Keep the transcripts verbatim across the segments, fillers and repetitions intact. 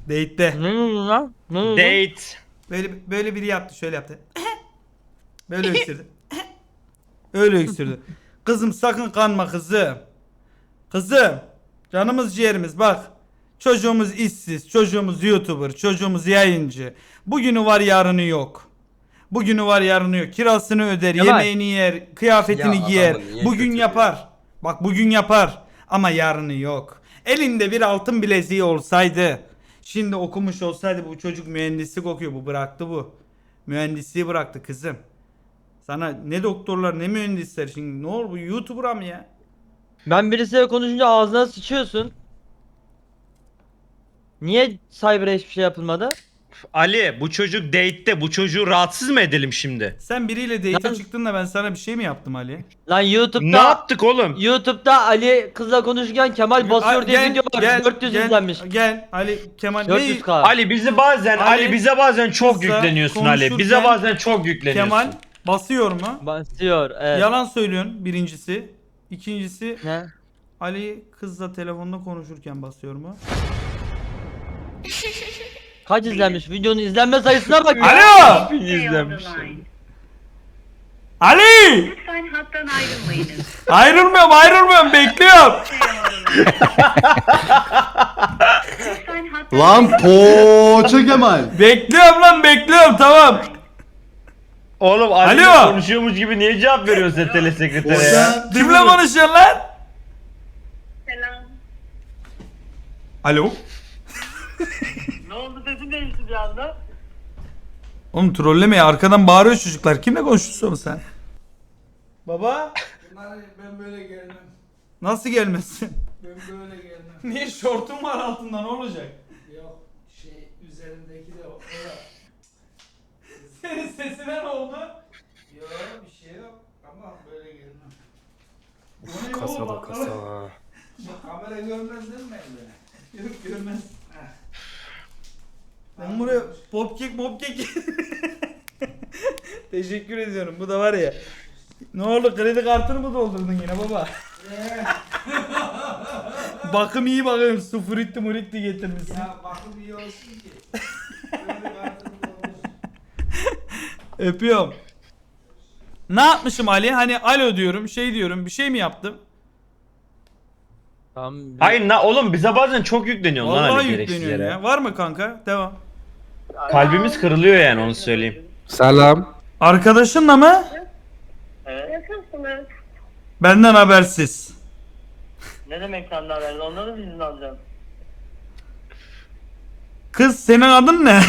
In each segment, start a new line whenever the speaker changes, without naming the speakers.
Date'te.
Ne oldu lan? Ne oldu?
Date.
Böyle böyle biri yaptı, şöyle yaptı. Böyle öksürdü. Öyle öksürdü. Kızım sakın kanma kızım. Kızım. Canımız ciğerimiz bak. Çocuğumuz işsiz, çocuğumuz YouTuber, çocuğumuz yayıncı. Bugünü var yarını yok. Bugünü var yarını yok. Kirasını öder,
Kemal.
yemeğini yer, kıyafetini
Ya
giyer.
adamı niye
Bugün
kötülüyor?
yapar. Bak bugün yapar. Ama yarını yok. Elinde bir altın bileziği olsaydı. Şimdi okumuş olsaydı, bu çocuk mühendislik okuyor. Bu bıraktı bu. Mühendisliği bıraktı kızım. Sana ne doktorlar ne mühendisler, şimdi ne olur bu YouTuber'a mı ya?
Ben birisiyle konuşunca ağzına sıçıyorsun. Niye Cyber'a hiçbir şey yapılmadı?
Ali bu çocuk date'te, bu çocuğu rahatsız mı edelim şimdi?
Sen biriyle date'e
Lan-
çıktın da ben sana bir şey mi yaptım Ali?
Lan
Ne
YouTube'da
yaptık oğlum?
YouTube'da Ali kızla konuşurken Kemal basıyor
Aa,
diye
gel,
video var.
gel,
dört yüz
gel,
izlenmiş.
Gel Ali Kemal.
dört yüz
Ne-
k.
Ali bizi bazen
Ali,
Ali, bize bazen çok
kızla
yükleniyorsun Ali. Bize
konuşurken
bazen çok yükleniyorsun.
Kemal basıyor mu?
Basıyor evet.
Yalan söylüyorsun birincisi. İkincisi
Ne?
Ali kızla telefonda konuşurken basıyor mu?
Kaç izlenmiş? Videonun izlenme sayısına bak.
Alo!
Bin izlenmiş.
Ali!
Lütfen hattan ayrılmayınız.
Ayrılmıyorum ayrılmıyorum bekliyorum.
Lütfen hattan
Lan poğaça Kemal.
Bekliyorum lan bekliyorum tamam.
Oğlum Ali
Alo!
konuşuyormuş gibi niye cevap veriyorsun sen telesekretere ya?
Orada
Kimle konuşuyorsun lan?
Selam.
Alo?
Ne oldu sesin değişti bir anda?
Oğlum trolleme ya, arkadan bağırıyor çocuklar. Kimle konuşuyorsun sen? Baba?
Ben böyle gelmem.
Nasıl gelmesin?
Ben böyle gelmem.
Niye şortun var altında, ne olacak?
Yok şey üzerindeki de o. o da.
Senin sesine ne oldu?
Yok bir şey yok ama böyle gelmem.
O ne
Kasa
oğlum,
da
bak-
kasa.
Bak kamera görmez değil mi beni?
Yok görmez. Ben buraya popkek popkek. Teşekkür ediyorum. Bu da var ya. Ne oldu, kredi kartını mı doldurdun yine baba? Bakım iyi bakıyorum. Su fritti muritti getirmişsin.
Ya bakım iyi olsun ki. Böyle kartım olsun.
Öpüyorum. Ne yapmışım Ali? Hani alo diyorum, şey diyorum, bir şey mi yaptım?
Tamam.
Hayır na, oğlum bize bazen çok yükleniyorsun lan
Vallahi
Ali gereksiz
yükleniyor
yere.
ya. Var mı kanka? Devam.
Kalbimiz kırılıyor yani onu söyleyeyim.
Selam.
Arkadaşınla mı?
Nasılsınız?
Benden habersiz.
Ne demek senden haber? Onların izin alacağım.
Kız senin adın ne?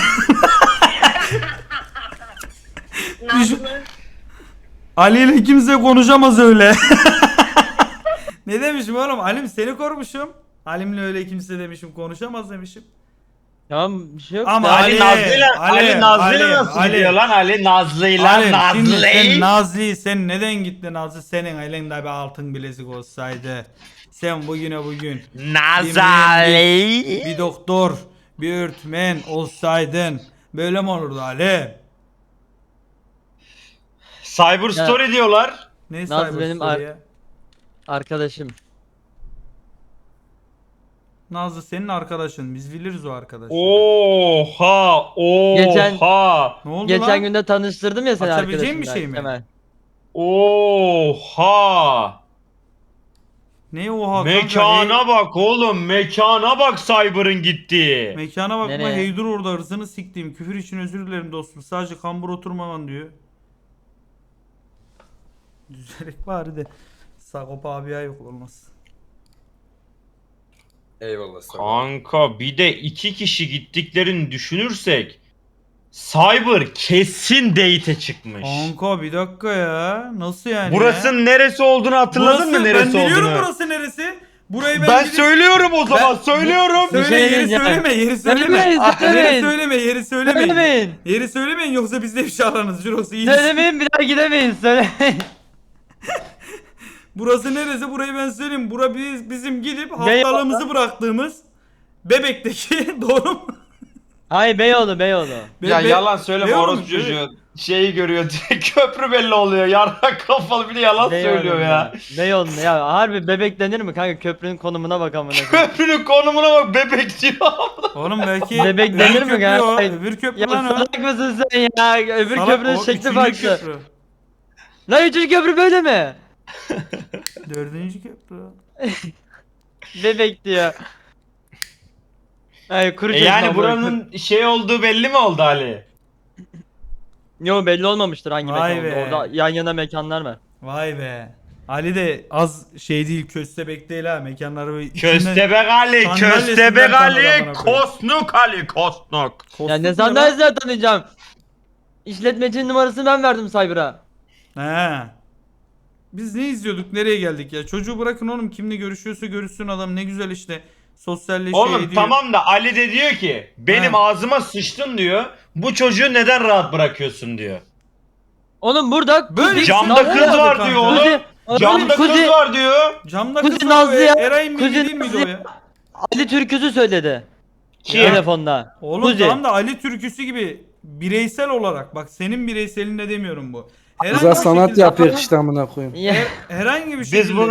Düşün-
Nazlı.
Ali ile kimse konuşamaz öyle. Ne demişim oğlum? Halim seni korumuşum. Halimle öyle kimse demişim, konuşamaz demişim.
Tamam bir şey yok.
Ama
da.
Ali,
Ali,
Nazlı'yla
Ali,
Ali, Nazlı'yla
Ali,
nasıl
Ali.
gidiyor lan Ali Nazlı'yla
Halim şimdi sen
Nazlı.
Nazlı'yı, sen neden gittin Nazlı? Senin elinde bir altın bilezik olsaydı. Sen bugüne bugün
Nazali.
bir doktor, bir öğretmen olsaydın böyle mi olurdu Ali?
Cyber Story diyorlar.
Ne
Nazlı
cyber
benim
story
ar-
ya?
Arkadaşım.
Nazlı senin arkadaşın. Biz biliriz o arkadaşı.
Oha, oha.
Geçen-
Ne oldu
Geçen
lan?
günde tanıştırdım ya seni
Açabileceğin
arkadaşımla.
bir şey mi?
Kemal.
Oha.
Ne oha kanka?
Mekana
Hey-
bak oğlum, mekana bak Cyber'ın gittiği.
Mekana bakma,
Nereye?
heydur orada, hırsını siktiğim. Küfür için özür dilerim dostum. Sadece kambur oturmaman diyor. Düzelerek bari de. Sagopa abiye yok olmaz.
Eyvallah sana.
Kanka bir de iki kişi gittiklerini düşünürsek Cyber kesin date'e çıkmış.
Kanka bir dakika ya. Nasıl yani ya?
Burasının neresi olduğunu hatırladın
Burası-
mı neresi
Ben biliyorum
olduğunu?
burası neresi. Burayı ben,
Ben
gidip-
söylüyorum o zaman
Ben-
söylüyorum.
Söyle,
Bir şey
yeri
diyeceğim.
söyleme, yeri söyleme.
Söylemeyin,
Yeri
söylemeyin.
söyleme, yeri söylemeyin.
Söylemeyin.
Yeri söylemeyin yoksa bizde bir şey aranız. Şurası iyi.
Söylemeyin bir daha gidemeyiz söylemeyin.
Burası neresi? Burayı ben söyleyeyim. Bura biz, bizim gidip haftalığımızı bıraktığımız Bebek'teki doğru mu?
Hayır Beyoğlu Beyoğlu.
Be-
ya
be-
yalan söyleme
Beyoğlu mu?
orospu çocuğu. Şeyi görüyor direkt köprü belli oluyor. Yarrak kafalı bir de yalan
Beyoğlu
söylüyor ya.
Beyoğlu ya harbi bebek denir mi kanka köprünün konumuna bak amına koyayım.
Köprünün konumuna bak bebek diyor.
Oğlum belki
Bebek
öbür
denir mi
köprü
kanka?
o,
Hayır.
Öbür köprü
Ya
lan o.
salak mısın sen ya? Öbür
Salak,
köprünün
o
şekli
üçüncü
farklı.
köprü.
Lan üçüncü köprü böyle mi?
Dördüncü köprü.
Bebek diyor. Hayır kuru
E
çeşme
yani
amına
buranın şey olduğu belli mi oldu Ali?
Yo belli olmamıştır hangi
Vay
mekan
be.
olduğu. Orada yan yana mekanlar var.
Vay be. Ali de az şey değil, köstebek değil ha, mekanları böyle içinden-
Köstebek Ali,
sandalyesinden
Köstebek
tanır
Ali,
amına koyayım.
Kosnuk Ali, Kosnuk.
Kostuk
Ya ne
lan?
sandalyesinden tanıyacağım. İşletmecinin numarasını ben verdim Cyber'a.
He. Biz ne izliyorduk, nereye geldik ya? Çocuğu bırakın oğlum, kimle görüşüyorsa görüşsün, adam ne güzel işte sosyalleşiyor
Oğlum
ediyor.
tamam da Ali de diyor ki benim
He.
ağzıma sıçtın diyor. Bu çocuğu neden rahat bırakıyorsun diyor.
Oğlum burada
Böyle
Kuzi-
Camda
Nazlı
kız
yazdı
var
kanka.
diyor oğlum.
Kuzi-
Camda
Kuzi-
kız var diyor.
Camda
Kuzi
kız var,
Nazlı
o
ya.
Eray'ın
Kuzi
bilgi değil miydi o
Nazlı-
ya?
Ali Türküzü söyledi.
Kim?
Telefonda.
Oğlum
Kuzi.
tamam da Ali türküsü gibi bireysel olarak, bak senin bireyselinde demiyorum bu. Herhangi
Güzel
bir
sanat
şekilde-
yapıyor işte amına koyayım.
Ya.
Herhangi bir şekilde
Biz bunu